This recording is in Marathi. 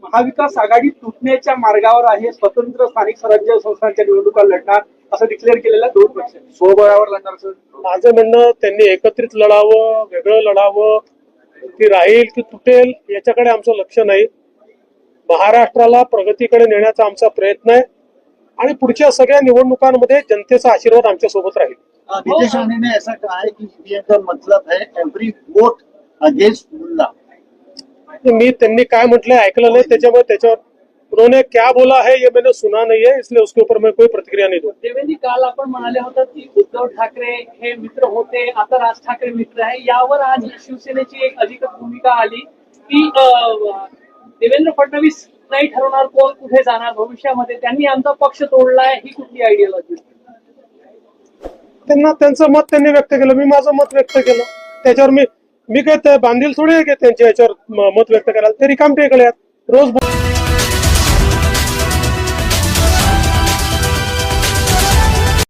महाविकास आघाडी तुटण्याच्या मार्गावर आहे, स्वतंत्र स्थानिक स्वराज्य संस्थांच्या निवडणुका लढणार असं डिक्लेअर केलेल्या दोन पक्ष स्वबळावर लढणार असं माझं म्हणणं, त्यांनी एकत्रित लढावं, वेगळं लढावं, ती राहील की तुटेल याच्याकडे आमचं लक्ष नाही. महाराष्ट्राला प्रगतीकडे नेण्याचा आमचा प्रयत्न आहे आणि पुढच्या सगळ्या निवडणुकांमध्ये जनतेचा आशीर्वाद आमच्या सोबत राहील. नीतीश राणे ने ऐसा कहा है कि ईवीएम का मतलब है एवरी वोट अगेंस्ट मुल्ला. मी त्यांनी काय म्हटलंय ऐकलं नाही, त्याच्यावर उन्होंने क्या बोला है ये मैंने सुना नहीं है, इसलिए उसके ऊपर मैं कोई प्रतिक्रिया नहीं दूं. देवेंद्र, काल आपण म्हणाले होता की उद्धव ठाकरे हे मित्र होते, आता राज ठाकरे मित्र आहे. यावर आज शिवसेनेची एक अधिकृत भूमिका आली की देवेंद्र फडणवीस नाही ठरवणार कोण कुठे जाणार भविष्यामध्ये, त्यांनी आमचा पक्ष तोडलाय, ही कुठली आयडियोलॉजी? त्यांचं मत त्यांनी व्यक्त केलं, मी माझं मत व्यक्त केलं. त्याच्यावर मी काय बांधील थोडी आहे की त्यांच्या याच्यावर मत व्यक्त करायला. ते रिकामटेकडे आहेत रोज